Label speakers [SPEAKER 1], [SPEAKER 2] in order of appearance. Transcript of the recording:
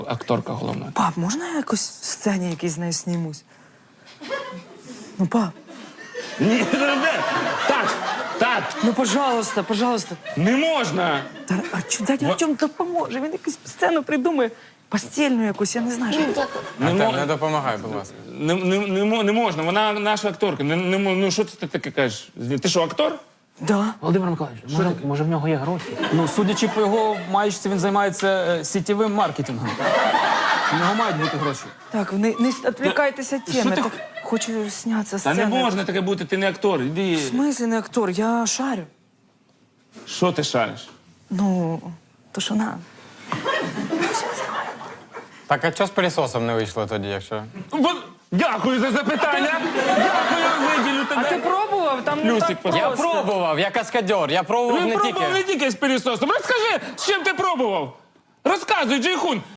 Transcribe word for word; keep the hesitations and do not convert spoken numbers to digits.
[SPEAKER 1] акторка головна.
[SPEAKER 2] Пап, можна я якось в сцені якийсь з нею снімусь? Ну, пап,
[SPEAKER 1] Ні, так, так,
[SPEAKER 2] ну, пожалуйста, пожалуйста.
[SPEAKER 1] не можна.
[SPEAKER 2] Та, а чу, дядя Артем допоможе, він якусь сцену придумає. Постільну якусь, я не знаю. Що...
[SPEAKER 1] Не,
[SPEAKER 3] Артем,
[SPEAKER 1] мо-
[SPEAKER 3] не допомагай, будь ласка.
[SPEAKER 1] не, не, не, мо- не можна, вона наша акторка. Не, не, мо- ну що ти таке кажеш? Ти що, актор?
[SPEAKER 2] Да.
[SPEAKER 4] Володимир Миколаївич, може, може в нього є гроші?
[SPEAKER 5] Ну, судячи по його маєчці, він займається е, сітєвим маркетингом. У нього мають бути гроші.
[SPEAKER 2] Так, не, не відвлікайтеся від теми.
[SPEAKER 1] ти-
[SPEAKER 2] Так, хочу знятися
[SPEAKER 1] Та
[SPEAKER 2] сцени.
[SPEAKER 1] не можна таке бути, ти не актор. Іди.
[SPEAKER 2] В смислі не актор, я шарю.
[SPEAKER 1] Що ти шариш?
[SPEAKER 2] Ну, то що на.
[SPEAKER 3] Так, а чого з пилісосом не вийшло тоді, якщо?
[SPEAKER 1] Бо- Дякую за запитання. Дякую, виділю
[SPEAKER 2] А ти
[SPEAKER 1] тебе.
[SPEAKER 2] пробував? Там не
[SPEAKER 1] Плюсик
[SPEAKER 2] так
[SPEAKER 1] поставив.
[SPEAKER 3] Я
[SPEAKER 2] просто.
[SPEAKER 3] пробував, я каскадер, я пробував
[SPEAKER 1] Він
[SPEAKER 3] не
[SPEAKER 1] пробував
[SPEAKER 3] тільки.
[SPEAKER 1] не тільки з пилісосом. Розкажи, з чим ти пробував? Розказуй, Джейхун.